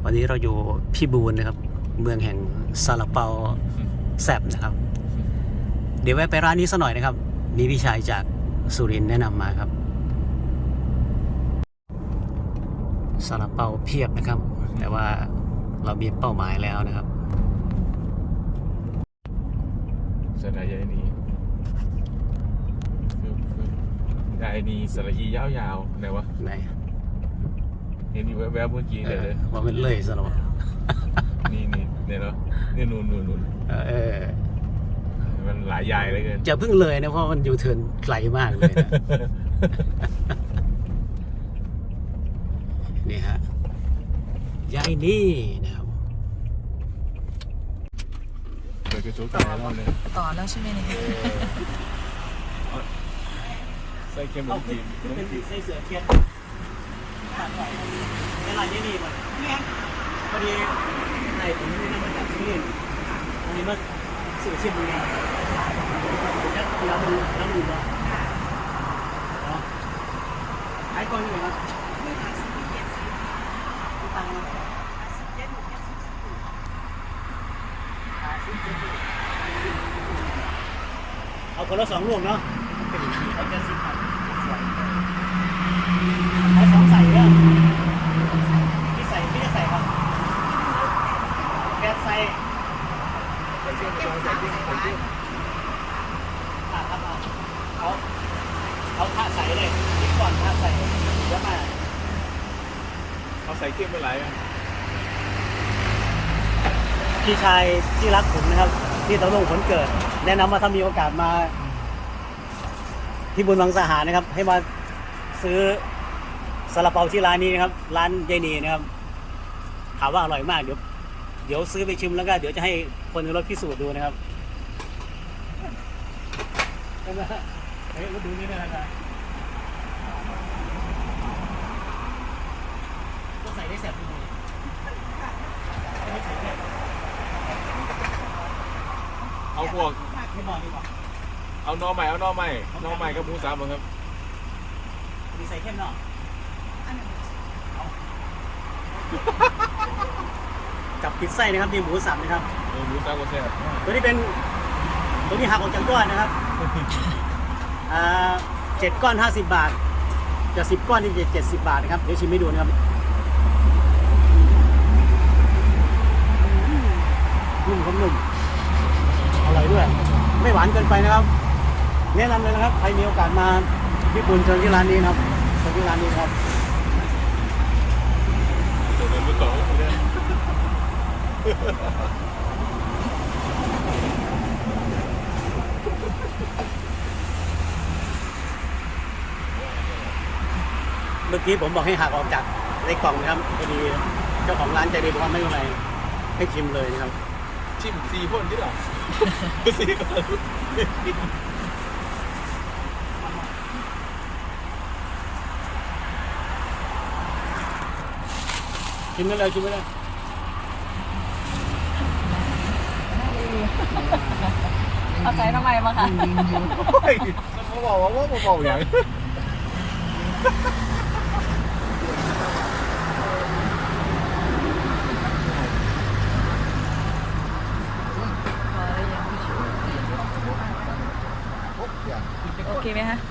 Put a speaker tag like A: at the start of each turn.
A: วันนี้เราอยู่พิบูลนะครับเมืองแห่งซาลาเปาแซ่บนะครับเดี๋ยวแวะไปร้านนี้สักหน่อยนะครับมีพี่ชายจากสุรินทร์แนะนำมาครับซาลาเปาเพียบนะครับแต่ว่าเรามีเป้าหมายแล้วนะครับ
B: สระยายนียายนีสระอียาวๆไหนวะ
A: ไหน
B: เห็นอยู่แวบๆเมื่อกี้เลย
A: ว่ามันเลยซะแล้ว
B: นี่เนี่ยเนาะนี่นู่นมันหลายยายเลยเกิน
A: จะเพิ่งเลยนะเพราะมันอยู่เทิร์นไกลมากเลยนะ นี่ฮะยายนี่นะครับ
B: เปิดกระจกตาแล้วเลย
C: ต่อแล้วใช่ไหมเนี่ย
B: ใส่เค็มลงจีน
A: ใส่เสือเทียนในร้านยายนี่ก่อนพอดีในผมนี่นะมาจากที่นี่อันนี้มาสื่อชิมดูนะแล้วดูว่าขายก่อนอยู่ครับเอาคนละ2 ลูกเนาะเอาแค่10 บาทเอา2ใส่เนี่ยพี่จะใส่ครับแก๊สใส่ครับเอาท่าใส่เลยนิดก่อนท่าใส่เยอะมาก
B: เอาใส่เค็มไปหลาย
A: พี่ชายที่รักผมนะครับที่ตะลงผลเกิดแนะนำว่าถ้ามีโอกาสมาที่บุญวังสหานะครับให้มาซื้อซาลาเปาที่ร้านนี้นะครับร้านยายนีนะครับถามว่าอร่อยมากเดี๋ยวซื้อไปชิมแล้วก็เดี๋ยวจะให้คนในรถพิสูจน์ดูนะครับเฮ้ยมาดูนี่ได้นะครับก็ใส่ได้แซ่บจริง
B: เอาพวก
A: ไม่บอกดีกว่า
B: เอานอใหม่กับหมูสับครับ
A: มีใส่เข้มเนาะกับปิดไส้นะครับมีหมูสับนะครับ
B: หมูสับก็แซ่บ
A: ตัวนี้หักออกจากก้อนนะครับ7 ก้อน50 บาทจะ10 ก้อนนี่จะ70 บาทนะครับเดี๋ยวชิมให้ดูนะครับนุ่มครับนุ่มอร่อยด้วยไม่หวานเกินไปนะครับแนะนำเลยนะครับใครมีโอกาสมาญี่ปุ่นเชิญที่ร้านนี้นะครับเชิญที่ร้านนี้ครับ
B: ตัวนั้นไม่ต่อเลย
A: เมื่อกี้ผมบอกให้หักออกจากในกล่องนะครับพอดีเจ้าของร้านใจดีบอกว่าไม่เป็นไรให้ชิมเลยนะครับ
B: ชิม4 คนที่หรอ4 คน
A: ชิมได้เลย
C: เอาใจทำไมมาค่ะ
B: เขาบอกว่าอย่าง
C: โอเคไหมคะ